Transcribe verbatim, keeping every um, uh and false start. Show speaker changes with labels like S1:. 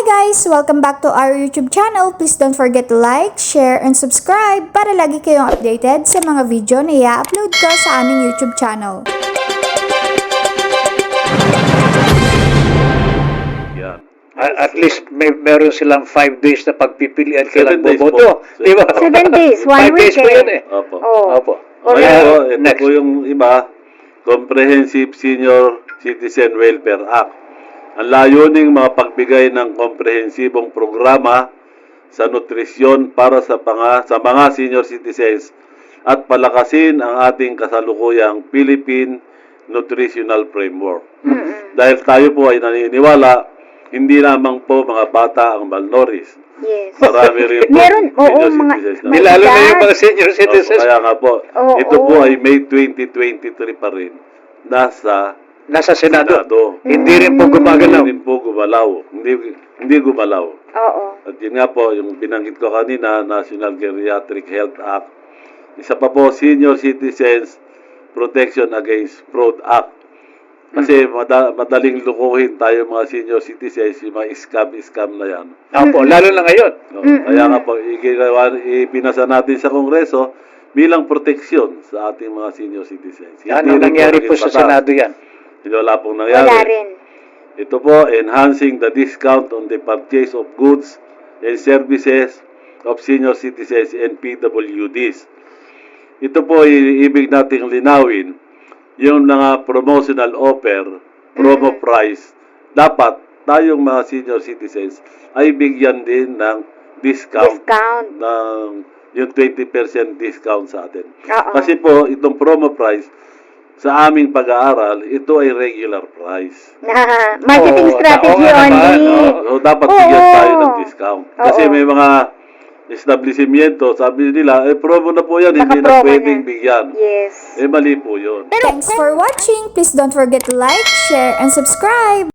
S1: Hi guys! Welcome back to our YouTube channel. Please don't forget to like, share, and subscribe para lagi kayong updated sa mga video na i-upload ko sa aming YouTube channel.
S2: Yan.
S3: At least may meron silang five days na pagpipilian kailang
S2: Seven days
S3: boboto.
S2: po.
S3: Di ba?
S4: Seven days, one
S3: Five days po
S4: weekend.
S3: yun eh.
S2: Opo.
S4: Oh.
S3: Opo.
S2: Ngayon po, ito
S3: next.
S2: po yung iba, Comprehensive Senior Citizen Welfare Act. Ang layuning mapagbigay ng komprehensibong programa sa nutrisyon para sa, panga, sa mga senior citizens at palakasin ang ating kasalukuyang Philippine Nutritional Framework.
S4: Mm-mm.
S2: Dahil tayo po ay naniniwala, hindi lamang po mga bata ang malnourished.
S4: Yes.
S2: Marami rin po
S4: Meron, oo,
S2: senior
S4: mga-
S2: citizens na.
S4: may-
S3: Lalo na yung
S4: edad.
S3: mga senior citizens
S2: Opo, kaya nga po,
S4: Oo.
S2: ito po ay May twenty twenty-three pa rin. Nasa
S3: nasa Senado.
S2: Senado.
S3: Hindi rin po gumagalaw.
S2: Hindi rin po gumalaw. Hindi, hindi gumalaw.
S4: Oo.
S2: At yun nga po, yung binanggit ko kanina, National Geriatric Health Act. Isa pa po, Senior Citizens Protection Against Fraud Act. Kasi mada, madaling lukuhin tayo mga senior citizens, yung mga scam-scam na yan.
S3: Opo, lalo na ngayon.
S2: No? Kaya nga po, iginawa, ipinasa natin sa Kongreso bilang proteksyon sa ating mga senior citizens.
S3: Yan
S2: Hindi
S3: ang
S2: rin
S3: nangyari po
S2: naging
S3: sa
S2: batas.
S3: Senado yan.
S2: Hindi wala pong nangyari.
S4: Wala rin.
S2: Ito po, enhancing the discount on the purchase of goods and services of senior citizens and P W Ds. Ito po, i- ibig nating linawin, yung mga promotional offer, promo price, dapat tayong mga senior citizens ay bigyan din ng discount,
S4: Discount.
S2: ng yung twenty percent discount sa atin.
S4: Oo.
S2: Kasi po, itong promo price, sa aming pag-aaral, ito ay regular price.
S4: Na, marketing
S3: Oo,
S4: strategy
S3: oo nga naman,
S4: only.
S3: oo.
S2: So, dapat
S4: Oo.
S2: bigyan tayo ng discount. Kasi
S4: Oo.
S2: may mga establishmento, sabi nila, eh, promo na po yan, hindi na
S4: Naka-promo
S2: pwedeng
S4: na.
S2: bigyan.
S4: Yes.
S2: Eh, mali po yun.
S1: Thanks for watching! Please don't forget to like, share, and subscribe!